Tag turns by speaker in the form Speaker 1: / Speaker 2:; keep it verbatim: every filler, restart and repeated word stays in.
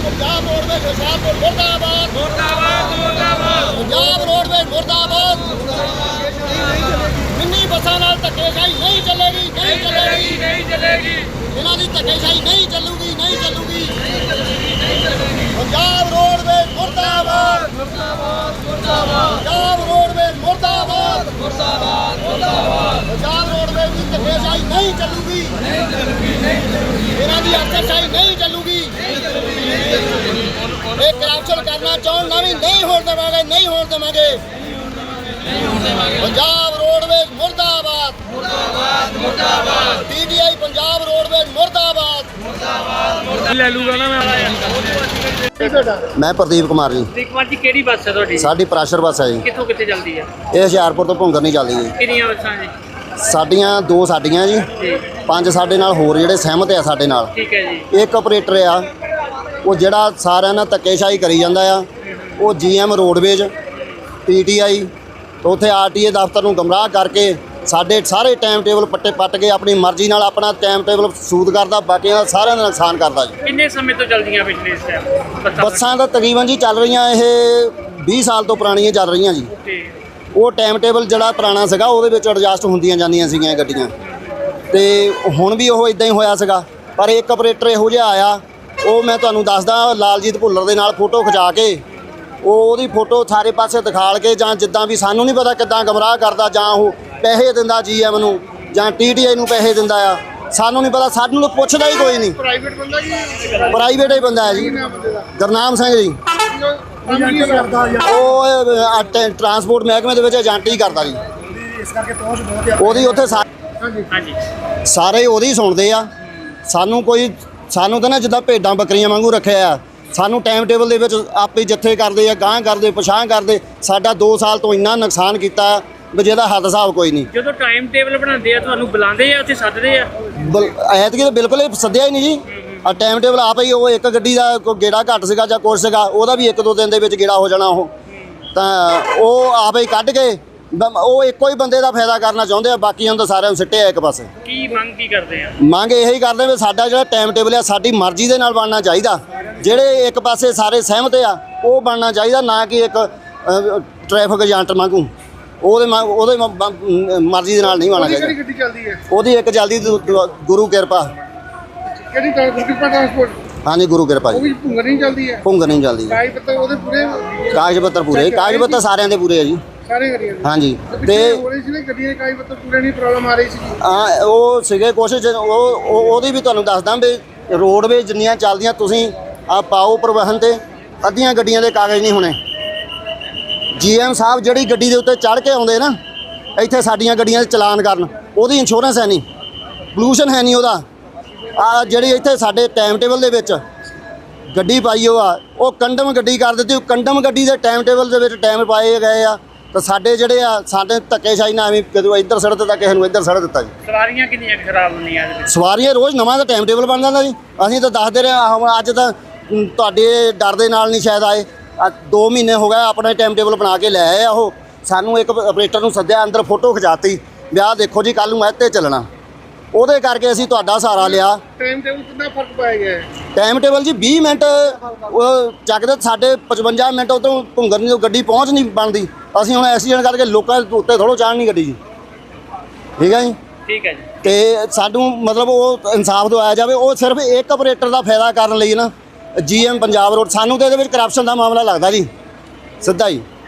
Speaker 1: Punjab roadways Hoshiarpur मुर्दाबाद
Speaker 2: मुर्दाबाद मुर्दाबाद
Speaker 1: पंजाब रोडवेज मुर्दाबाद मिनी बसां नाल धक्केशाही नहीं चलेगी नहीं चलेगी
Speaker 2: नहीं चलेगी
Speaker 1: इन्हां दी धक्केशाही नहीं चलूगी नहीं चलूगी पंजाब रोडवेज मुर्दाबाद
Speaker 2: मुर्दाबाद मुर्दाबाद
Speaker 1: पंजाब रोडवेज मुर्दाबाद
Speaker 2: मुर्दाबाद मुर्दाबाद
Speaker 1: पंजाब रोडवेज की धक्केशाही नहीं चलूगी
Speaker 2: नहीं चलूगी नहीं चलूगी
Speaker 1: इन्हां दी अफसरशाही नहीं चलूगी ਇਹ ਕਰਪਸ਼ਨ ਕਰਨਾ ਚਾਹਣ ਨਾ ਵੀ ਨਹੀਂ ਹੋਣ ਦੇਵਾਂਗੇ ਨਹੀਂ ਹੋਣ ਦੇਵਾਂਗੇ ਪੰਜਾਬ ਰੋਡਵੇਜ਼ ਮੁਰਦਾਬਾਦ
Speaker 2: मुर्दाबाद मुर्दाबाद
Speaker 1: ਪੀਡੀਆਈ ਪੰਜਾਬ ਰੋਡਵੇਜ਼ ਮੁਰਦਾਬਾਦ
Speaker 2: ले लूंगा ना मैं
Speaker 3: ਮੈਂ ਪ੍ਰਦੀਪ ਕੁਮਾਰ ਜੀ।
Speaker 2: ਕੁਮਾਰ ਜੀ ਕਿਹੜੀ ਬੱਸ ਹੈ ਤੁਹਾਡੀ
Speaker 3: ਸਾਡੀ ਪ੍ਰਾਸ਼ਰ ਬੱਸ ਹੈ ਜੀ।
Speaker 2: ਕਿੱਥੋਂ ਕਿੱਥੇ ਚੱਲਦੀ ਹੈ
Speaker 3: ਇਹ ਹੁਸ਼ਿਆਰਪੁਰ ਤੋਂ ਭੁੰਗਰ ਨਹੀਂ ਚੱਲਦੀ ਜੀ।
Speaker 2: ਕਿੰਨੀਆਂ ਬੱਸਾਂ ਜੀ
Speaker 3: ਸਾਡੀਆਂ ਦੋ ਸਾਡੀਆਂ ਜੀ,
Speaker 2: ਜੀ
Speaker 3: ਪੰਜ ਸਾਡੇ ਨਾਲ ਹੋਰ ਜਿਹੜੇ ਸਹਿਮਤ ਆ ਸਾਡੇ ਨਾਲ।
Speaker 2: ਠੀਕ ਹੈ ਜੀ
Speaker 3: ਇੱਕ ਆਪਰੇਟਰ ਆ ਉਹ ਜਿਹੜਾ ਸਾਰਿਆਂ ਨਾਲ ਧੱਕੇਸ਼ਾਹੀ ਕਰੀ ਜਾਂਦਾ ਆ। ਉਹ ਜੀਐਮ ਰੋਡਵੇਜ਼ ਪੀਟੀਆਈ ਉੱਥੇ ਆਰਟੀਏ ਦਫ਼ਤਰ ਨੂੰ ਗਮਰਾਹ ਕਰਕੇ ਸਾਡੇ ਸਾਰੇ ਟਾਈਮ ਟੇਬਲ ਪੱਟੇ ਪੱਟ ਕੇ ਆਪਣੀ ਮਰਜ਼ੀ ਨਾਲ ਆਪਣਾ ਟਾਈਮ ਟੇਬਲ ਸੂਦ ਕਰਦਾ, ਬਾਕੀਆਂ ਦਾ ਸਾਰਿਆਂ ਦਾ ਨੁਕਸਾਨ ਕਰਦਾ ਜੀ।
Speaker 2: ਕਿੰਨੇ ਸਮੇਂ ਤੋਂ ਚੱਲਦੀਆਂ ਪਿਛਲੇ ਇਸ ਟਾਈਮ
Speaker 3: ਬੱਸਾਂ ਤਾਂ ਤਕਰੀਬਨ ਜੀ ਚੱਲ ਰਹੀਆਂ ਇਹ ਵੀਹ ਸਾਲ ਤੋਂ ਪੁਰਾਣੀਆਂ ਚੱਲ ਰਹੀਆਂ ਜੀ।
Speaker 2: ਠੀਕ
Speaker 3: ਉਹ ਟਾਈਮ ਟੇਬਲ ਜਿਹੜਾ ਪੁਰਾਣਾ ਸੀਗਾ ਉਹਦੇ ਵਿੱਚ ਐਡਜਸਟ ਹੁੰਦੀਆਂ ਜਾਂਦੀਆਂ ਸੀਗੀਆਂ ਗੱਡੀਆਂ, ਤੇ ਹੁਣ ਵੀ ਉਹ ਇਦਾਂ ਹੀ ਹੋਇਆ ਸੀਗਾ। ਪਰ ਇੱਕ ਆਪਰੇਟਰ ਇਹੋ ਜਿਹਾ ਆਇਆ, ਉਹ ਮੈਂ ਤੁਹਾਨੂੰ ਦੱਸਦਾ, ਲਾਲਜੀਤ ਭੁੱਲਰ ਦੇ ਨਾਲ ਫੋਟੋ ਖਿਚਾ ਕੇ ਉਹ ਉਹਦੀ ਫੋਟੋ ਸਾਰੇ ਪਾਸੇ ਦਿਖਾਲ ਕੇ, ਜਾਂ ਜਿੱਦਾਂ ਵੀ ਸਾਨੂੰ ਨਹੀਂ ਪਤਾ ਕਿੱਦਾਂ ਗਮਰਾਹ ਕਰਦਾ, ਜਾਂ ਉਹ ਪੈਸੇ ਦਿੰਦਾ ਜੀਐਮ ਨੂੰ ਜਾਂ ਟੀਟੀਆਈ ਨੂੰ ਪੈਸੇ ਦਿੰਦਾ ਆ, ਸਾਨੂੰ ਨਹੀਂ ਪਤਾ। ਸਾਨੂੰ ਤਾਂ ਪੁੱਛਦਾ ਹੀ ਕੋਈ ਨਹੀਂ।
Speaker 1: ਪ੍ਰਾਈਵੇਟ ਬੰਦਾ ਜੀ
Speaker 3: ਪ੍ਰਾਈਵੇਟ ਹੀ ਬੰਦਾ ਹੈ ਜੀ। ਗੁਰਨਾਮ ਸਿੰਘ ਜੀ, ਉਹ ਅ, ਟ- ਟਰਾਂਸਪੋਰਟ ਮਹਿਕਮੇ ਦੇ ਵਿੱਚ ਏਜੰਟ ਹੀ ਕਰਦਾ ਜੀ।
Speaker 1: ਇਸ ਕਰਕੇ ਪਹੁੰਚ ਬਹੁਤ
Speaker 3: ਉਹਦੀ ਉੱਥੇ ਸਾ-
Speaker 2: ਹਾਂਜੀ
Speaker 3: ਸਾਰੇ ਉਹਦੀ ਸੁਣਦੇ ਆ। ਸਾਨੂੰ ਕੋਈ ਸਾਨੂੰ ਤਾਂ ਨਾ ਜਿੱਦਾਂ ਭੇਡਾਂ ਬੱਕਰੀਆਂ ਵਾਂਗੂ ਰੱਖਿਆ ਆ। ਸਾਨੂੰ ਟਾਈਮ ਟੇਬਲ ਦੇ ਵਿੱਚ ਆਪੇ ਜੱਥੇ ਕਰਦੇ ਆ, ਗਾਂਹ ਕਰਦੇ ਪਛਾਂ ਕਰਦੇ। ਸਾਡਾ ਦੋ ਸਾਲ ਤੋਂ ਇੰਨਾ ਨੁਕਸਾਨ ਕੀਤਾ ਵੀ ਜਿਹਦਾ ਹੱਦ ਹਿਸਾਬ ਕੋਈ ਨਹੀਂ।
Speaker 2: ਜਦੋਂ ਟਾਈਮ ਟੇਬਲ ਬਣਾਉਂਦੇ ਆ ਤੁਹਾਨੂੰ ਬੁਲਾਉਂਦੇ ਆ ਉੱਥੇ ਸੱਦਦੇ ਆ
Speaker 3: ਐਤਕੀ ਤਾਂ ਬਿਲਕੁਲ ਹੀ ਸੱਦਿਆ ਹੀ ਨਹੀਂ ਜੀ। ਆ ਟਾਈਮ ਟੇਬਲ ਆਪ ਹੀ, ਉਹ ਇੱਕ ਗੱਡੀ ਦਾ ਕੋਈ ਗੇੜਾ ਘੱਟ ਸੀਗਾ ਜਾਂ ਕੁਛ ਸੀਗਾ, ਉਹਦਾ ਵੀ ਇੱਕ ਦੋ ਦਿਨ ਦੇ ਵਿੱਚ ਗੇੜਾ ਹੋ ਜਾਣਾ। ਉਹ ਤਾਂ ਉਹ ਆਪ ਹੀ ਕੱਢ ਕੇ ਬ- ਉਹ ਇੱਕੋ ਹੀ ਬੰਦੇ ਦਾ ਫਾਇਦਾ ਕਰਨਾ ਚਾਹੁੰਦੇ ਆ, ਬਾਕੀਆਂ ਨੂੰ ਤਾਂ ਸਾਰਿਆਂ ਨੂੰ ਸਿੱਟਿਆ ਇੱਕ ਪਾਸੇ।
Speaker 2: ਕੀ ਮੰਗ ਕੀ ਕਰਦੇ ਆ
Speaker 3: ਮੰਗ ਇਹੀ ਕਰਦੇ ਵੀ ਸਾਡਾ ਜਿਹੜਾ ਟਾਈਮ ਟੇਬਲ ਆ ਸਾਡੀ ਮਰਜ਼ੀ ਦੇ ਨਾਲ ਬਣਨਾ ਚਾਹੀਦਾ। ਜਿਹੜੇ ਇੱਕ ਪਾਸੇ ਸਾਰੇ ਸਹਿਮਤ ਆ ਉਹ ਬਣਨਾ ਚਾਹੀਦਾ, ਨਾ ਕਿ ਇੱਕ ਟ੍ਰੈਫਿਕ ਏਜੰਟ ਵਾਂਗੂ ਉਹਦੇ ਮ- ਉਹਦੇ ਮ- ਮ- ਮਰਜ਼ੀ ਦੇ ਨਾਲ ਨਹੀਂ ਬਣਨਾ ਚਾਹੀਦਾ।
Speaker 1: ਗੱਡੀ ਚੱਲਦੀ ਹੈ
Speaker 3: ਉਹਦੀ ਇੱਕ ਜਲਦੀ ਗੁਰੂ ਕਿਰਪਾ।
Speaker 1: ਕਿਹੜੀ ਟਰਾਂਸਪੋਰਟ
Speaker 3: ਹਾਂਜੀ ਗੁਰੂ ਕਿਰਪਾ
Speaker 1: ਉਹ
Speaker 3: ਜੀ।
Speaker 1: ਵੀ ਭੁੰਗਰ ਨਹੀਂ ਚੱਲਦੀ ਹੈ।
Speaker 3: ਭੁੰਗਰ ਨਹੀਂ ਚੱਲਦੀ।
Speaker 1: ਕਾਗਜ਼ ਪੱਤਰ ਉਹਦੇ ਪੂਰੇ
Speaker 3: ਕਾਗਜ਼ ਪੱਤਰ ਪੂਰੇ, ਕਾਗਜ਼ ਪੱਤਰ ਸਾਰਿਆਂ ਦੇ ਪੂਰੇ ਆ ਜੀ।
Speaker 1: ਸਾਰੇ ਗੱਡੀਆਂ ਦੇ
Speaker 3: ਹਾਂਜੀ।
Speaker 1: ਤੇ
Speaker 3: ਤੇ
Speaker 1: ਹੋ ਰਹੀ ਸੀ ਨਾ ਗੱਡੀਆਂ ਦੇ ਕਾਗਜ਼ ਪੱਤਰ ਪੂਰੇ ਨਹੀਂ, ਪ੍ਰੋਬਲਮ ਆ ਰਹੀ ਸੀ।
Speaker 3: ਆ ਉਹ ਸੀਗੇ ਕੋਸ਼ਿਸ਼ ਉਹ ਉਹ- ਉਹਦੀ ਵੀ ਤੁਹਾਨੂੰ ਦੱਸਦਾ ਵੀ ਰੋਡਵੇਜ਼ ਜਿੰਨੀਆਂ ਚੱਲਦੀਆਂ ਤੁਸੀਂ ਆ ਪਾਓ ਪਰਿਵਹਨ ਤੇ ਅੱਧੀਆਂ ਗੱਡੀਆਂ ਦੇ ਕਾਗਜ਼ ਨਹੀਂ ਹੋਣੇ। ਜੀਐਮ ਸਾਹਿਬ ਜਿਹੜੀ ਗੱਡੀ ਦੇ ਉੱਤੇ ਚੜ੍ਹ ਕੇ ਆਉਂਦੇ ਨਾ ਇੱਥੇ ਸਾਡੀਆਂ ਗੱਡੀਆਂ ਦੇ ਚਲਾਨ ਕਰਨ, ਉਹਦੀ ਇੰਸ਼ੋਰੈਂਸ ਹੈ ਨਹੀਂ, ਪੋਲੂਸ਼ਨ ਹੈ ਨਹੀਂ ਉਹਦਾ। ਆ ਜਿਹੜੀ ਇੱਥੇ ਸਾਡੇ ਟਾਈਮ ਟੇਬਲ ਦੇ ਵਿੱਚ ਗੱਡੀ ਪਾਈ ਉਹ ਆ, ਉਹ ਕੰਡਮ ਗੱਡੀ ਕਰ ਦਿੱਤੀ। ਉਹ ਕੰਡਮ ਗੱਡੀ ਦੇ ਟਾਈਮ ਟੇਬਲ ਦੇ ਵਿੱਚ ਟਾਈਮ ਪਾਏ ਗਏ ਆ, ਤਾਂ ਸਾਡੇ ਜਿਹੜੇ ਆ ਸਾਡੇ ਧੱਕੇਸ਼ਾਹੀ ਨਾਲ ਐਵੇਂ ਕਦੋਂ ਇੱਧਰ ਸੜ ਦਿੱਤਾ, ਕਿਸੇ ਨੂੰ ਇੱਧਰ ਸੜ ਦਿੱਤਾ ਜੀ।
Speaker 2: ਸਵਾਰੀਆਂ ਕਿੰਨੀਆਂ ਕੁ ਖਰਾਬ ਹੁੰਦੀਆਂ ਇਹਦੇ ਵਿੱਚ
Speaker 3: ਸਵਾਰੀਆਂ ਰੋਜ਼ ਨਵਾਂ ਦਾ ਟਾਈਮ ਟੇਬਲ ਬਣ ਜਾਂਦਾ ਜੀ। ਅਸੀਂ ਤਾਂ ਦੱਸਦੇ ਰਹੇ ਹਾਂ, ਹੁਣ ਅੱਜ ਤਾਂ ਮ, ਤੁਹਾਡੇ ਡਰ ਦੇ ਨਾਲ ਨਹੀਂ ਸ਼ਾਇਦ ਆਏ। ਆ ਦੋ ਮਹੀਨੇ ਹੋ ਗਏ ਆਪਣਾ ਟਾਈਮ ਟੇਬਲ ਬਣਾ ਕੇ ਲੈ ਆਏ ਆ। ਉਹ ਸਾਨੂੰ ਇੱਕ ਆਪਰੇਟਰ ਨੂੰ ਸੱਦਿਆ, ਅੰਦਰ ਫੋਟੋ ਖਿਚਾਤੀ, ਵਿਆਹ ਦੇਖੋ ਜੀ ਕੱਲ੍ਹ ਨੂੰ ਇਹ 'ਤੇ ਚੱਲਣਾ। ਉਹਦੇ ਕਰਕੇ ਅਸੀਂ ਤੁਹਾਡਾ ਸਹਾਰਾ ਲਿਆ।
Speaker 1: ਟਾਈਮ ਟੇਬਲ ਕਿੰਨਾ ਫਰਕ ਪਾਇਆ ਗਿਆ ਹੈ?
Speaker 3: ਟਾਈਮ ਟੇਬਲ ਜੀ ਵੀਹ ਮਿੰਟ ਉਹ ਚੱਕਦੇ, ਸਾਡੇ ਪਚਵੰਜਾ ਮਿੰਟ ਉਹ ਤੋਂ ਭੁੰਗਰ ਨਹੀਂ ਗੱਡੀ ਪਹੁੰਚ ਨਹੀਂ ਬਣਦੀ। ਅਸੀਂ ਹੁਣ ਐਕਸੀਡੈਂਟ ਕਰਕੇ ਲੋਕਾਂ ਦੇ ਉੱਤੇ ਥੋੜ੍ਹਾ ਚਾੜ੍ਹਨੀ ਗੱਡੀ ਜੀ। ਠੀਕ ਹੈ ਜੀ।
Speaker 2: ਠੀਕ ਹੈ ਜੀ
Speaker 3: ਤੇ ਸਾਨੂੰ ਮਤਲਬ ਉਹ ਇਨਸਾਫ ਦਿਵਾਇਆ ਜਾਵੇ। ਉਹ ਸਿਰਫ ਇੱਕ ਆਪਰੇਟਰ ਦਾ ਫਾਇਦਾ ਕਰਨ ਲਈ ਨਾ ਜੀਐਮ ਪੰਜਾਬ ਰੋਡ, ਸਾਨੂੰ ਤਾਂ ਇਹਦੇ ਵਿੱਚ ਕਰਪਸ਼ਨ ਦਾ ਮਾਮਲਾ ਲੱਗਦਾ ਜੀ ਸਿੱਧਾ ਹੀ।